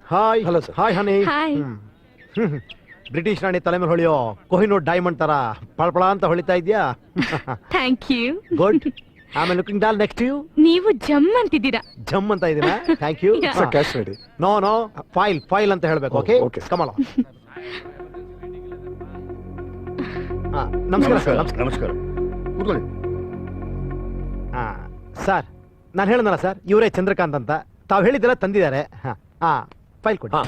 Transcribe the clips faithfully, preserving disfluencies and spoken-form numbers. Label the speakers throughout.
Speaker 1: Hi
Speaker 2: hello sir.
Speaker 1: Hi honey
Speaker 3: hi.
Speaker 1: British ರಾಣಿ ತಲೆ ಮೇಲೆ ಹೊಳೆಯೋ ಕೊಹಿನೂರ್ ಡೈಮಂಡ್ ತರ ಪಳಪಳ ಅಂತ ಹೊಳಿತಾ ಇದ್ಯಾ?
Speaker 3: Thank you.
Speaker 1: ಗುಡ್. ಆಮೇಲೆ ಲುಕಿಂಗ್ ಡಾಲ್ ನೆಕ್ಸ್ಟ್ ಯು.
Speaker 3: ನೀವು ಜಮ್ ಅಂತಿದ್ದೀರಾ.
Speaker 1: ಜಮ್ ಅಂತ ಇದೀನಾ? Thank you.
Speaker 3: Yeah.
Speaker 2: Sir cash ready.
Speaker 1: No no file file ಅಂತ ಹೇಳ್ಬೇಕು. Okay
Speaker 2: Okay.
Speaker 1: ಕಮಲ. ನಮಸ್ಕಾರ ಸರ್. ನಮಸ್ಕಾರ.
Speaker 4: ನಮಸ್ಕಾರ. ಕೂತ್ಕೊಳ್ಳಿ.
Speaker 1: ಸರ್ ನಾನು ಹೇಳಿದ್ನಲ್ಲ ಸರ್, ಇವರೇ ಚಂದ್ರಕಾಂತ್ ಅಂತ. ತಾವು ಹೇಳಿದ್ದೆಲ್ಲ ತಂದಿದ್ದಾರೆ. ಹಾ ಹಾ ಫೈಲ್ ಕೊಡಿ.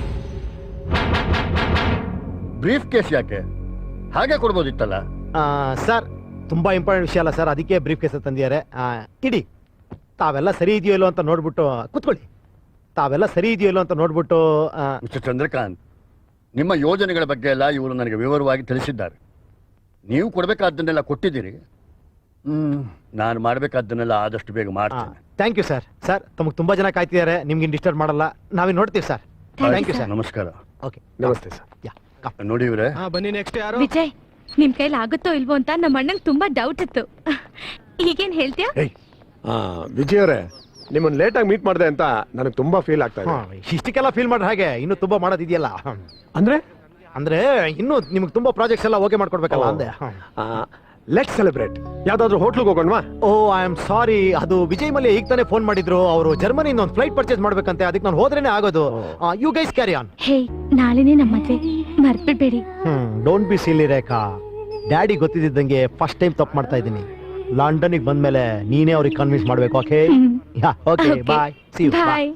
Speaker 4: ಬ್ರೀಫ್ ಕೇಸ್ ಯಾಕೆ ಹಾಗೆ ಕೊಡ್ಬೋದಿತ್ತಲ್ಲ?
Speaker 1: ಸರ್ ತುಂಬಾ ಇಂಪಾರ್ಟೆಂಟ್ ವಿಷಯ ಅಲ್ಲ ಸರ್, ಅದಕ್ಕೆ ಬ್ರೀಫ್ ಕೇಸ್ ತಂದಿದ್ದಾರೆ. ಇಡಿ. ತಾವೆಲ್ಲ ಸರಿ ಇದೆಯೋ ಇಲ್ಲೋ ಅಂತ ನೋಡ್ಬಿಟ್ಟು ಕೂತ್ಕೊಳ್ಳಿ. ತಾವೆಲ್ಲ ಸರಿ ಇದೆಯೋ ಇಲ್ಲೋ ಅಂತ ನೋಡ್ಬಿಟ್ಟು.
Speaker 4: ಮಿಸ್ಟರ್ ಚಂದ್ರಕಾಂತ್, ನಿಮ್ಮ ಯೋಜನೆಗಳ ಬಗ್ಗೆ ಎಲ್ಲ ಇವರು ನನಗೆ ವಿವರವಾಗಿ ತಿಳಿಸಿದ್ದಾರೆ. ನೀವು ಕೊಡಬೇಕಾದ್ದನ್ನೆಲ್ಲ ಕೊಟ್ಟಿದ್ದೀರಿ. ಹ್ಮ್ ನಾನು ಮಾಡಬೇಕಾದ್ದನ್ನೆಲ್ಲ ಆದಷ್ಟು ಬೇಗ ಮಾಡ್ತೇನೆ.
Speaker 1: Thank you sir. ಸರ್ ತಮಗೆ ತುಂಬಾ ಜನ ಕಾಯ್ತಿದ್ದಾರೆ, ನಿಮ್ಗೆ ಡಿಸ್ಟರ್ಬ್ ಮಾಡಲ್ಲ, ನಾವೇ ನೋಡ್ತೀವಿ ಸರ್. Thank you sir.
Speaker 4: ನಮಸ್ಕಾರ.
Speaker 1: ಓಕೆ
Speaker 2: ನಮಸ್ತೆ ಸರ್.
Speaker 1: ಯಾ
Speaker 4: ನೋಡಿ ಇವರೇ,
Speaker 2: ಬನ್ನಿ ನೆಕ್ಸ್ಟ್ ಯಾರು?
Speaker 3: ವಿಜಯ್, ನಿಮ್ ಕೈಲಿ ಆಗುತ್ತೋ ಇಲ್ವೋ ಅಂತ ನಮ್ಮ ಅಣ್ಣಂಗೆ ತುಂಬಾ ಡೌಟ್ ಇತ್ತು. ಈಗೇನ್ ಹೇಳ್ತೀಯಾ?
Speaker 2: ವಿಜಯ್ ಅವರೇ, ನಿಮ್ಮನ್ನ ಲೇಟ್ ಆಗಿ ಮೀಟ್ ಮಾಡಿದೆ ಅಂತ ನನಗೆ ತುಂಬಾ ಫೀಲ್ ಆಗ್ತಾ ಇದೆ.
Speaker 1: ಇಷ್ಟಕ್ಕೆಲ್ಲ ಫೀಲ್ ಮಾಡ್ರೆ ಹಾಗೆ ಇನ್ನು ತುಂಬಾ ಮಾಡೋದಿದೆಯಲ್ಲ.
Speaker 2: ಅಂದ್ರೆ
Speaker 1: ಅಂದ್ರೆ ಇನ್ನು ನಿಮ್ಗೆ ತುಂಬಾ ಪ್ರಾಜೆಕ್ಟ್ಸ್ ಎಲ್ಲ ಓಕೆ ಮಾಡ್ಕೊಡ್ಬೇಕಲ್ಲ ಅಂದೆ.
Speaker 2: Let celebrate. ಯಾವ್ದಾದ್ರು ಹೋಟ್ಲಿಗೆ ಹೋಗೋಣವಾ?
Speaker 1: ಓ ಐ ಆಮ್ ಸಾರಿ, ಅದು ವಿಜಯ್ ಮಲ್ಯ ಈಗ ತಾನೇ ಫೋನ್ ಮಾಡಿದ್ರು. ಅವರು ಜರ್ಮನಿಯಿಂದ ಒಂದು ಫ್ಲೈಟ್ ಪರ್ಚೇಸ್ ಮಾಡ್ಬೇಕಂತೆ, ಅದಕ್ಕೆ ನಾನು ಹೋದ್ರೇನೆ ಆಗೋದು. You guys carry on.
Speaker 3: Hey, ನಾಳೆನೇ ನಮ್ಮ ಮದ್ವೆ, ಮರ್ಬಿಡ್ಬೇಡಿ.
Speaker 1: Hmm don't be silly Rekha. Daddy ಗೊತ್ತಿದ್ದಂಗೆ ಫಸ್ಟ್ ಟೈಮ್ ತಪ್ಪು ಮಾಡ್ತಾ ಇದ್ದೀನಿ. ಲಂಡನ್ಗೆ ಬಂದ್ಮೇಲೆ ನೀನೇ ಅವ್ರಿಗೆ ಕನ್ವಿನ್ಸ್ ಮಾಡ್ಬೇಕು. Okay yeah okay bye. See you.
Speaker 3: Bye.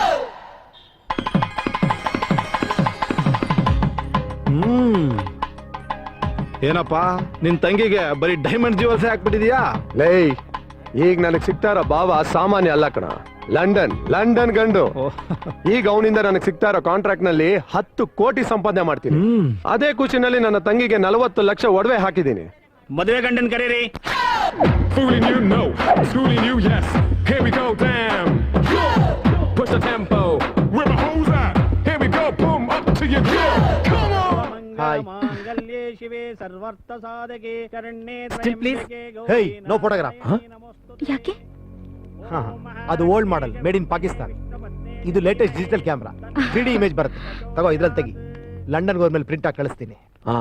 Speaker 1: Hmm
Speaker 5: ಏನಪ್ಪಾ ನಿನ್ ತಂಗಿಗೆ ಬರೀ ಡೈಮಂಡ್ ಜ್ಯುವೆಲ್ಸ್ ಹಾಕ್ಬಿಟ್ಟಿದ್ಯಾ?
Speaker 2: ಲೇ, ಈಗ ನನಗೆ ಸಿಗ್ತಾ ಇರೋ ಭಾವ ಸಾಮಾನ್ಯ ಅಲ್ಲ ಕಣ. ಲಂಡನ್ ಲಂಡನ್ ಗಂಡು. ಈಗ ಅವನಿಂದ ನನಗೆ ಸಿಗ್ತಾ ಇರೋ ಕಾಂಟ್ರಾಕ್ಟ್ ನಲ್ಲಿ ಹತ್ತು ಕೋಟಿ ಸಂಪಾದನೆ ಮಾಡ್ತೀನಿ. ಅದೇ ಖುಷಿನಲ್ಲಿ ನನ್ನ ತಂಗಿಗೆ ನಲವತ್ತು ಲಕ್ಷ ಒಡವೆ ಹಾಕಿದ್ದೀನಿ.
Speaker 6: ಮದುವೆ ಗಂಡನ್ ಕರೀರಿ.
Speaker 7: Fooling you, no. Schooling you, yes. Here we go, damn. Push the tempo. Where my hoes at? Here we go, boom, up to your door. Come on.
Speaker 1: Hi.
Speaker 6: Still, please.
Speaker 1: Hey, no photograph.
Speaker 3: ಯಾಕೆ?
Speaker 1: ಹಾ ಅದು old model, made in Pakistan. ಇದು latest digital camera, three D image ಬರುತ್ತೆ. ತಗೋ ಇದ್ರಲ್ಲಿ ತೆಗಿ. ಲಂಡನ್ಗೆ ಹೋದ್ಮೇಲೆ ಪ್ರಿಂಟ್ ಆಗಿ ಕಳಿಸ್ತೀನಿ.
Speaker 2: ಹಾ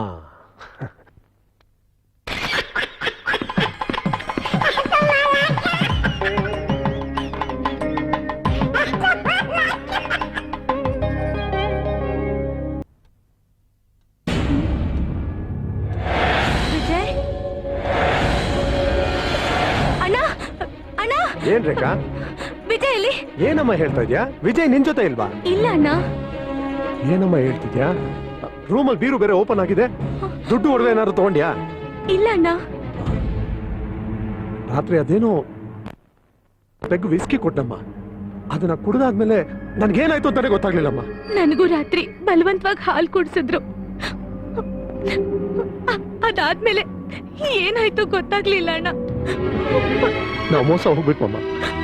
Speaker 3: ವಿಜಯ್, ಅಣ್ಣ ಅಣ್ಣ.
Speaker 2: ಏನ್ ರೇಖಾ?
Speaker 3: ವಿಜಯ್ ಇಲ್ಲಿ.
Speaker 2: ಏನಮ್ಮ ಹೇಳ್ತಾ ಇದ್ಯಾ? ವಿಜಯ್ ನಿನ್ ಜೊತೆ ಇಲ್ವಾ?
Speaker 3: ಇಲ್ಲ ಅಣ್ಣ.
Speaker 2: ಏನಮ್ಮ ಹೇಳ್ತಿದ್ಯಾ? ರೂಮಲ್ಲಿ ಬೀರು ಬೇರೆ ಓಪನ್ ಆಗಿದೆ. ದುಡ್ಡು ಒಡವೆ ಏನಾದ್ರು ತಗೊಂಡ್ಯಾ?
Speaker 3: ಇಲ್ಲ ಅಣ್ಣ.
Speaker 2: ರಾತ್ರಿ ಅದೇನೋ ಪೆಗ್ ವಿಸ್ಕಿ ಕೊಟ್ಟಮ್ಮ. ಅದನ್ನ ಕುಡಿದಾದ್ಮೇಲೆ ನನ್ಗೇನಾಯ್ತು ಅಂತಾನೆ ಗೊತ್ತಾಗ್ಲಿಲ್ಲಮ್ಮ.
Speaker 3: ನನಗೂ ರಾತ್ರಿ ಬಲವಂತವಾಗಿ ಹಾಲು ಕುಡಿಸಿದ್ರು. ಅದಾದ್ಮೇಲೆ ಏನಾಯ್ತು ಗೊತ್ತಾಗ್ಲಿಲ್ಲ ಅಣ್ಣ.
Speaker 2: ನಾವು ಮೋಸ ಹೋಗ್ಬಿಟ್ವಮ್ಮ.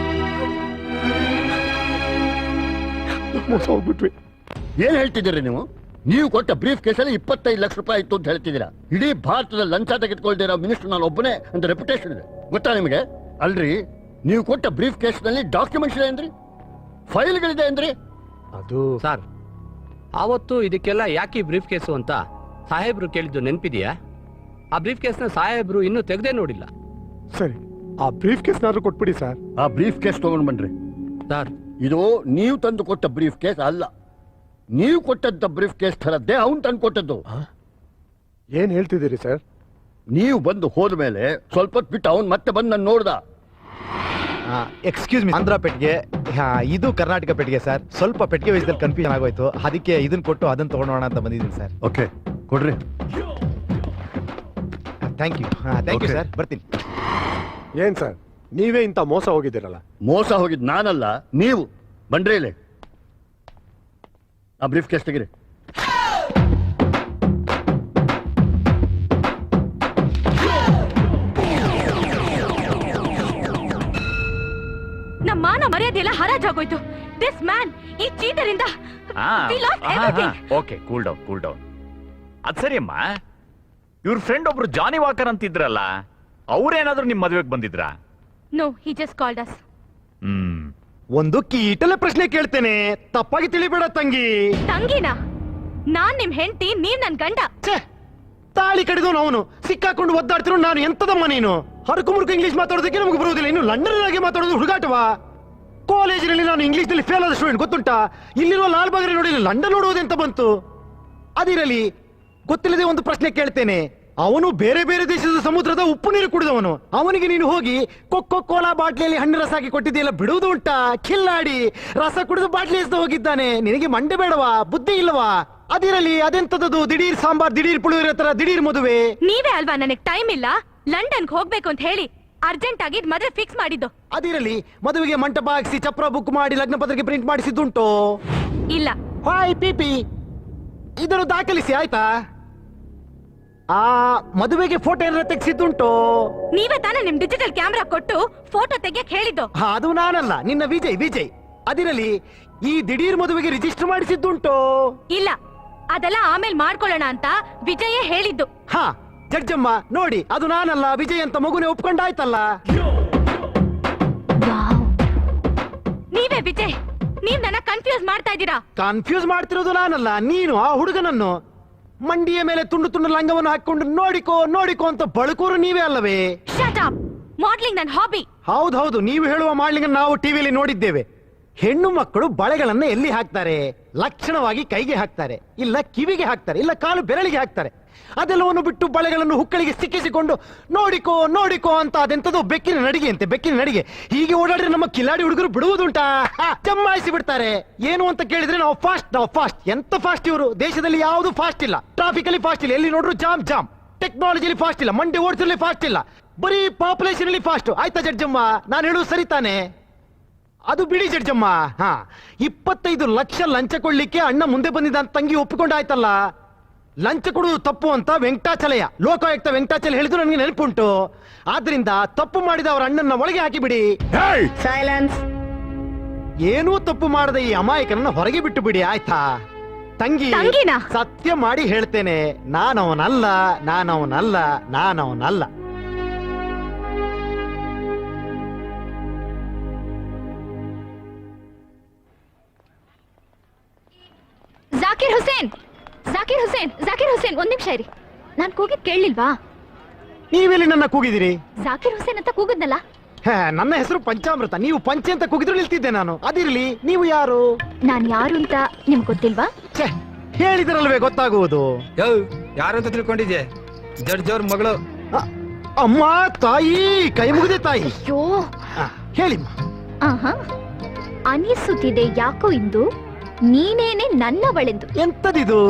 Speaker 2: ಮೋಸ ಹೋಗ್ಬಿಟ್ವಿ.
Speaker 4: ಏನ್ ಹೇಳ್ತಿದ್ದೀರಿ ನೀವು? ನೀವು ಕೊಟ್ಟ ಬ್ರೀಫ್ ಕೇಸಲ್ಲಿ ಇಪ್ಪತ್ತೈದು ಲಕ್ಷ ರೂಪಾಯಿ ಇತ್ತು ಅಂತ ಹೇಳ್ತಿದ್ದೀರಾ. ಇಡೀ ಭಾರತದ ಲಂಚ ತೆಗೆದುಕೊಳ್ದಿರೋ ಮಿನಿಸ್ಟರ್ ನಾನು ಒಬ್ಬನೇ ಅಂತ ರೆಪ್ಯುಟೇಷನ್ ಇದೆ, ಗೊತ್ತಾ ನಿಮಗೆ? ಅಲ್ರಿ, ನೀವು ಕೊಟ್ಟ ಬ್ರೀಫ್ ಕೇಸ್ ನಲ್ಲಿ ಡಾಕ್ಯುಮೆಂಟ್ಸ್ ಇದೆ ಅಂದ್ರಿ, ಫೈಲ್ಗಳಿದೆ ಅಂದ್ರಿ.
Speaker 2: ಅದು
Speaker 6: ಸರ್, ಆವತ್ತು ಇದಕ್ಕೆಲ್ಲ ಯಾಕೆ ಬ್ರೀಫ್ ಕೇಸು ಅಂತ ಸಾಹೇಬ್ರು ಕೇಳಿದ್ದು ನೆನಪಿದೆಯಾ? ಆ ಬ್ರೀಫ್ ಕೇಸ್ನ ಸಾಹೇಬ್ರು ಇನ್ನೂ ತೆಗೆದೇ ನೋಡಿಲ್ಲ.
Speaker 2: ಸರಿ, ಆ ಬ್ರೀಫ್ ಕೇಸ್ನಾದ್ರೂ ಕೊಟ್ಬಿಡಿ ಸರ್.
Speaker 4: ಆ ಬ್ರೀಫ್ ಕೇಸ್ ತಗೊಂಡ್ ಬನ್ರಿ.
Speaker 6: ಸರ್,
Speaker 4: ಇದು ನೀವು ತಂದು ಕೊಟ್ಟ ಬ್ರೀಫ್ ಕೇಸ್ ಅಲ್ಲ. ನೀವು ಕೊಟ್ಟಂತ ಬ್ರೀಫ್ ಕೇಸ್ ಥರದ್ದೇ ಅವನು ತಂದು ಕೊಟ್ಟದ್ದು.
Speaker 2: ಏನ್ ಹೇಳ್ತಿದ್ದೀರಿ ಸರ್?
Speaker 4: ನೀವು ಬಂದು ಹೋದ್ಮೇಲೆ ಸ್ವಲ್ಪ ಹೊತ್ತು ಬಿಟ್ಟು ಅವನು ಮತ್ತೆ ಬಂದು ನಾನು ನೋಡ್ದ.
Speaker 1: ಎಕ್ಸ್ಕ್ಯೂಸ್ ಮಿ, ಆಂಧ್ರ ಪೆಟ್ಟಿಗೆ, ಇದು ಕರ್ನಾಟಕ ಪೆಟ್ಟಿಗೆ ಸರ್. ಸ್ವಲ್ಪ ಪೆಟ್ಟಿಗೆ ವಯಸ್ಸಲ್ಲಿ ಕನ್ಫ್ಯೂಷನ್ ಆಗೋಯ್ತು, ಅದಕ್ಕೆ ಇದನ್ನ ಕೊಟ್ಟು ಅದನ್ನ ತಗೊಂಡೋಣ ಅಂತ ಬಂದಿದ್ದೀನಿ ಸರ್.
Speaker 4: ಓಕೆ ಕೊಡ್ರಿ.
Speaker 1: Thank you. Thank you sir, ಬರ್ತೀನಿ.
Speaker 2: ಏನ್ ಸರ್, ನೀವೇ ಇಂಥ ಮೋಸ ಹೋಗಿದ್ದೀರಲ್ಲ?
Speaker 4: ಮೋಸ ಹೋಗಿದ್ ನಾನಲ್ಲ, ನೀವು. ಬನ್ರಿ ಇಲ್ಲಿ, ಆ ಬ್ರೀಫ್ ಕೇಸ್ ತೆಗಿರಿ.
Speaker 3: ನಮ್ಮ ಮಾನ ಮರ್ಯಾದೆ ಎಲ್ಲ ಹರಾಜಾಗೋಯ್ತು. ದಿಸ್ ಮ್ಯಾನ್, ಈ ಚೀಟರ್ ಇಂದ
Speaker 8: okay, cool down cool down. ಅದ್ ಸರಿ ಅಮ್ಮ, ಇವ್ರ ಫ್ರೆಂಡ್ ಒಬ್ರು ಜಾನಿ ವಾಕರ್ ಅಂತಿದ್ರಲ್ಲ, ಅವ್ರೇನಾದ್ರೂ ನಿಮ್ ಮದ್ವೆಗೆ ಬಂದಿದ್ರಾ?
Speaker 3: No, he just called us.
Speaker 8: Hmm
Speaker 1: ಒಂದು ಕೀಟಲೆ ಪ್ರಶ್ನೆ ಕೇಳ್ತೇನೆ, ತಪ್ಪಾಗಿ ತಿಳಿಬೇಡ ತಂಗಿ.
Speaker 3: ತಂಗಿನ ನಾನ್ ನಿಮ್ ಹೆಂಡತಿ, ನೀವ್ ನನ್ ಗಂಡ.
Speaker 1: ಛೇ, ತಾಳಿ ಕಡಿದವನು ಅವನು, ಸಿಕ್ಕಾಕೊಂಡು ಒದ್ದಾಡ್ತಿರೋ ನಾನು. ಎಂತದಮ್ಮ ನೀನು? ಹರಕು ಮುರುಕು ಇಂಗ್ಲಿಷ್ ಮಾತಾಡೋದಕ್ಕೆ ನಮಗೆ ಬರುವುದಿಲ್ಲ, ಇನ್ನು ಲಂಡನ್ ಆಗಿ ಮಾತಾಡೋದು ಹುಡುಗಾಟವಾ? ಕಾಲೇಜಿನಲ್ಲಿ ನಾನು ಇಂಗ್ಲಿಷ್ ನಲ್ಲಿ ಫೇಲ್ ಆದ ಸ್ಟೂಡೆಂಟ್, ಗೊತ್ತುಂಟಾ? ಇಲ್ಲಿರುವ ಲಾಲ್ ಬಾಗರಿ ನೋಡಿ ಲಂಡನ್ ನೋಡುವುದೆಂತ ಬಂತು? ಅದಿರಲಿ, ಗೊತ್ತಿಲ್ಲದೆ ಒಂದು ಪ್ರಶ್ನೆ ಕೇಳ್ತೇನೆ. ಅವನು ಬೇರೆ ಬೇರೆ ದೇಶದ ಸಮುದ್ರದ ಉಪ್ಪು ನೀರು ಕುಡಿದವನು. ಅವನಿಗೆ ನೀನು ಹೋಗಿ ಕೊಕ್ಕೋ ಕೋಲಾ ಬಾಟ್ಲಿಯಲ್ಲಿ ಹಣ್ಣು ರಸ ಹಾಕಿ ಕೊಟ್ಟಿದೆಯಲ್ಲ, ಬಿಡುವುದು ಉಂಟಾ? ಕಿಲ್ಲಾಡಿ ರಸ ಕುಡಿದು ಬಾಟ್ಲಿ ಎಸ್ದು ಹೋಗಿದ್ದಾನೆ. ನಿನಗೆ ಮಂಡೆ ಬೇಡವಾ? ಬುದ್ಧಿ ಇಲ್ಲವಾ? ಅದಿರಲಿ, ಅದೆಂತದದು ದಿಢೀರ್ ಸಾಂಬಾರ್, ದಿಢೀರ್ ಪುಳಿಯೋಗರೆ ತರ ದಿಢೀರ್ ಮದುವೆ?
Speaker 3: ನೀವೇ ಅಲ್ವಾ ನನಗ್ ಟೈಮ್ ಇಲ್ಲ, ಲಂಡನ್ಗೆ ಹೋಗ್ಬೇಕು ಅಂತ ಹೇಳಿ ಅರ್ಜೆಂಟ್ ಆಗಿ ಮದುವೆ ಫಿಕ್ಸ್ ಮಾಡಿದ್ದು.
Speaker 1: ಅದಿರಲಿ, ಮದುವೆಗೆ ಮಂಟಪ ಹಾಕಿಸಿ ಚಪ್ರ ಬುಕ್ ಮಾಡಿ ಲಗ್ನ ಪತ್ರಿಕೆ ಪ್ರಿಂಟ್ ಮಾಡಿಸಿದ್ದುಂಟು?
Speaker 3: ಇಲ್ಲ.
Speaker 1: ಹಾಯ್ ಪಿಪಿ, ಇದನ್ನು ದಾಖಲಿಸಿ ಆಯ್ತಾ? ಆ ಮದುವೆಗೆ ಫೋಟೋ ಏನಾರ ತೆಗೆಸಿದ್ದುಂಟು?
Speaker 3: ನೀವೇ ತಾನೇ ನಿಮ್ ಡಿಜಿಟಲ್ ಕ್ಯಾಮ್ರಾ ಕೊಟ್ಟು ಫೋಟೋ ತೆಗಿಯಕ್ ಹೇಳಿದ್ದು.
Speaker 1: ಹಾ, ಅದು ನಾನಲ್ಲ, ನಿನ್ನ ವಿಜಯ್. ವಿಜಯ್, ಅದಿರಲಿ, ಈ ದಿಢೀರ್ ಮದುವೆಗೆ ರಿಜಿಸ್ಟರ್ ಮಾಡಿಸಿದ್ದುಂಟು?
Speaker 3: ಇಲ್ಲ, ಅದೆಲ್ಲ ಆಮೇಲೆ ಮಾಡ್ಕೊಳ್ಳೋಣ ಅಂತ ವಿಜಯೇ ಹೇಳಿದ್ದು.
Speaker 1: ಹಾ, ಜಡ್ಜಮ್ಮ ನೋಡಿ, ಅದು ನಾನಲ್ಲ, ವಿಜಯ್ ಅಂತ ಮಗುನೇ ಒಪ್ಕೊಂಡಾಯ್ತಲ್ಲ.
Speaker 3: ನೀವೇ ವಿಜಯ್, ನೀವ್ ನನ್ನ ಕನ್ಫ್ಯೂಸ್ ಮಾಡ್ತಾ ಇದ್ದೀರಾ.
Speaker 1: ಕನ್ಫ್ಯೂಸ್ ಮಾಡ್ತಿರೋದು ನಾನಲ್ಲ, ನೀನು ಆ ಹುಡುಗನನ್ನು. ಮಂಡಿಯ ಮೇಲೆ ತುಂಡು ತುಂಡು ಲಂಗವನ್ನು ಹಾಕೊಂಡು ನೋಡಿಕೋ ನೋಡಿಕೋ ಅಂತ ಬಳುಕೋರು ನೀವೇ ಅಲ್ಲವೇ?
Speaker 3: Shut up. ಮಾಡ್ಲಿಂಗ್ ನನ್ನ ಹಾಬಿ.
Speaker 1: ಹೌದೌದು, ನೀವು ಹೇಳುವ ಮಾಡ್ಲಿಂಗ್ ನಾವು ಟಿವಿಯಲ್ಲಿ ನೋಡಿದ್ದೇವೆ. ಹೆಣ್ಣು ಮಕ್ಕಳು ಬಳೆಗಳನ್ನ ಎಲ್ಲಿ ಹಾಕ್ತಾರೆ? ಲಕ್ಷಣವಾಗಿ ಕೈಗೆ ಹಾಕ್ತಾರೆ, ಇಲ್ಲ ಕಿವಿಗೆ ಹಾಕ್ತಾರೆ, ಇಲ್ಲ ಕಾಲು ಬೆರಳಿಗೆ ಹಾಕ್ತಾರೆ. ಅದೆಲ್ಲವನ್ನು ಬಿಟ್ಟು ಬಳೆಗಳನ್ನು ಹುಕ್ಕಳಿಗೆ ಸಿಕ್ಕಿಸಿಕೊಂಡು ನೋಡಿಕೋ ನೋಡಿಕೋ ಅಂತ ಅದೆಂತದೋ ಬೆಕ್ಕಿನ ನಡಿಗೆ ಅಂತೆ, ಬೆಕ್ಕಿನ ನಡಿಗೆ. ಹೀಗೆ ಓಡಾಡಿದ್ರೆ ನಮ್ಮ ಕಿಲಾಡಿ ಹುಡುಗರು ಬಿಡುವುದುಂಟಾ? ಜಮಾಯಿಸಿ ಬಿಡ್ತಾರೆ. ಏನು ಅಂತ ಕೇಳಿದ್ರೆ ನಾವು ಫಾಸ್ಟ್, ನಾವು ಫಾಸ್ಟ್. ಎಂತ ಫಾಸ್ಟ್ ಇವರು? ದೇಶದಲ್ಲಿ ಯಾವುದು ಫಾಸ್ಟ್ ಇಲ್ಲ. ಟ್ರಾಫಿಕ್ ಅಲ್ಲಿ ಫಾಸ್ಟ್ ಇಲ್ಲ, ಎಲ್ಲಿ ನೋಡ್ರು ಜಾಮ್ ಜಾಮ್. ಟೆಕ್ನಾಲಜಿಲಿ ಫಾಸ್ಟ್ ಇಲ್ಲ, ಮಂಡಿ ಓಡಿಸಲಿ ಫಾಸ್ಟ್ ಇಲ್ಲ, ಬರೀ ಪಾಪ್ಯುಲೇಷನ್ ಅಲ್ಲಿ ಫಾಸ್ಟ್. ಆಯ್ತಾ ಜಡ್ಜಮ್ಮ, ನಾನು ಹೇಳುವುದು ಸರಿ ತಾನೆ? ಅದು ಬಿಡಿ ಜಡ್ಜಮ್ಮ. ಹಾ, ಇಪ್ಪತ್ತೈದು ಲಕ್ಷ ಲಂಚ ಕೊಡ್ಲಿಕ್ಕೆ ಅಣ್ಣ ಮುಂದೆ ಬಂದಿದ್ದ ಅಂತ ತಂಗಿ ಒಪ್ಪಿಕೊಂಡಾಯ್ತಲ್ಲ. ಲಂಚ ಕೊಡುವುದು ತಪ್ಪು ಅಂತ ವೆಂಕಟಾಚಲಯ, ಲೋಕಾಯುಕ್ತ ವೆಂಕಟಾಚಲ ಹೇಳಿದ್ರು ನನಗೆ ನೆನಪುಂಟು. ಆದ್ರಿಂದ ತಪ್ಪು ಮಾಡಿದ ಅವರ ಅಣ್ಣನ ಒಳಗೆ ಹಾಕಿಬಿಡಿ.
Speaker 3: ಸೈಲೆನ್ಸ್.
Speaker 1: ಏನೂ ತಪ್ಪು ಮಾಡದ ಈ ಅಮಾಯಕನನ್ನ ಹೊರಗೆ ಬಿಟ್ಟು ಬಿಡಿ, ಆಯ್ತಾ? ತಂಗಿ,
Speaker 3: ತಂಗಿನಾ?
Speaker 1: ಸತ್ಯ ಮಾಡಿ ಹೇಳ್ತೇನೆ, ನಾನವನಲ್ಲ, ನಾನವನಲ್ಲ, ನಾನವನಲ್ಲ.
Speaker 3: ಜಾಕಿರ್ ಹುಸೇನ್, ಜಾಕಿರ್ ಹುಸೇನ್, ಜಾಕಿರ್ ಹುಸೇನ್, ಒಂದ್ ನಿಮಿಷ ಇರಿ. ನಾನ್ ಕೂಗಿದ್ ಕೇಳಲಿಲ್ವಾ?
Speaker 1: ನೀವೆಲ್ಲಿ ನನ್ನ ಕೂಗಿದಿರಿ?
Speaker 3: ಜಾಕಿರ್ ಹುಸೇನ್ ಅಂತ ಕೂಗದ್ನಲ್ಲ.
Speaker 1: ಹೇ, ನನ್ನ ಹೆಸರು ಪಂಚಾಮೃತ. ನೀವು ಪಂಚೆ ಅಂತ ಕೂಗಿದ್ರು ನಿಲ್ತಿದ್ದೆ ನಾನು. ಅದಿರ್ಲಿ, ನೀವು ಯಾರು?
Speaker 3: ನಾನ್ ಯಾರು ಅಂತ ನಿಮ್ಗೆ ಗೊತ್ತಿಲ್ವಾ?
Speaker 1: ಛೇ, ಹೇಳಿದ್ರಲ್ವೇ ಗೊತ್ತಾಗುವುದು.
Speaker 5: ಯಾರು ಅಂತ ತಿಳ್ಕೊಂಡಿದ್ಯೆ? ಜಡ್ಜ್ ಅವ್ರ ಮಗಳು.
Speaker 1: ಅ- ಅಮ್ಮ, ತಾಯಿ, ಕೈ ಮುಗಿದೆ ತಾಯಿ.
Speaker 3: ಅಯ್ಯೋ,
Speaker 1: ಆ, ಹೇಳಿಮ್ಮ.
Speaker 3: ಆಹಾ, ಅನಿಸುತ್ತಿದೆ ಯಾಕೋ ಇಂದು ನೀನೇನೆ ನನ್ನವಳೆಂದು.
Speaker 1: ಎಂತದಿದು?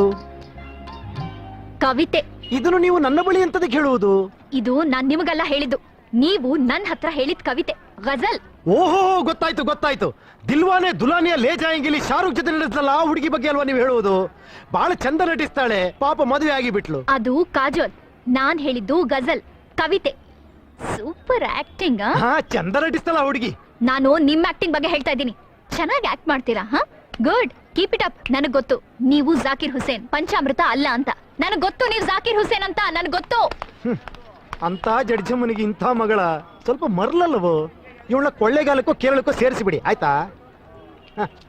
Speaker 3: ಕವಿತೆ.
Speaker 1: ಇದನ್ನು ನೀವು ನನ್ನ ಬಳಿ ಎಂತದಕ್ಕೆ ಹೇಳುವುದು?
Speaker 3: ಇದು ನಾನ್ ನಿಮಗೆಲ್ಲ ಹೇಳಿದ್ದು, ನೀವು ನನ್ ಹತ್ರ ಹೇಳಿದ ಕವಿತೆ, ಗಜಲ್.
Speaker 1: ಓಹೋ, ಗೊತ್ತಾಯ್ತು ಗೊತ್ತಾಯ್ತು. ದಿಲ್ವಾನೆ ದುಲಾನಿಯ ಲೇ ಜಾಯಂಗಿಲಿ ಶಾರುಖ್ ಜೊತೆ ನಡೆಸಲ್ಲ ಆ ಹುಡುಗಿ ಬಗ್ಗೆ ಅಲ್ವಾ ನೀವು ಹೇಳುವುದು? ಬಹಳ ಚಂದ ನಟಿಸ್ತಾಳೆ, ಪಾಪ ಮದುವೆ ಆಗಿ ಬಿಟ್ಲು.
Speaker 3: ಅದು ಕಾಜೋಲ್. ನಾನ್ ಹೇಳಿದ್ದು ಗಜಲ್, ಕವಿತೆ. Super acting.
Speaker 1: ಹಾ, ಚಂದ ನಟಿಸ್ತಾಳ ಹುಡುಗಿ.
Speaker 3: ನಾನು ನಿಮ್ ಆಕ್ಟಿಂಗ್ ಬಗ್ಗೆ ಹೇಳ್ತಾ ಇದ್ದೀನಿ. ಚೆನ್ನಾಗಿ ಆಕ್ಟ್ ಮಾಡ್ತೀರಾ? ಹಾ, ಗುಡ್, ಕೀಪ್ ಇಟ್ ಅಪ್. ನನಗ್ ಗೊತ್ತು ನೀವು ಜಾಕಿರ್ ಹುಸೇನ್, ಪಂಚಾಮೃತ ಅಲ್ಲ ಅಂತ. ನನಗ್ ಗೊತ್ತು ನೀವು ಜಾಕಿರ್ ಹುಸೇನ್ ಅಂತ, ನನಗ್ ಗೊತ್ತು.
Speaker 1: ಅಂತ ಜಡ್ಜಮ್ಮನಿಗೆ ಇಂಥ ಮಗಳ ಸ್ವಲ್ಪ ಮರ್ಲಲ್ಲವೋ? ಇವಳ ಕೊಳ್ಳೆಗಾಲಕ್ಕೂ ಕೇರಳಕ್ಕೂ ಸೇರಿಸಿಬಿಡಿ, ಆಯ್ತಾ? ಹ.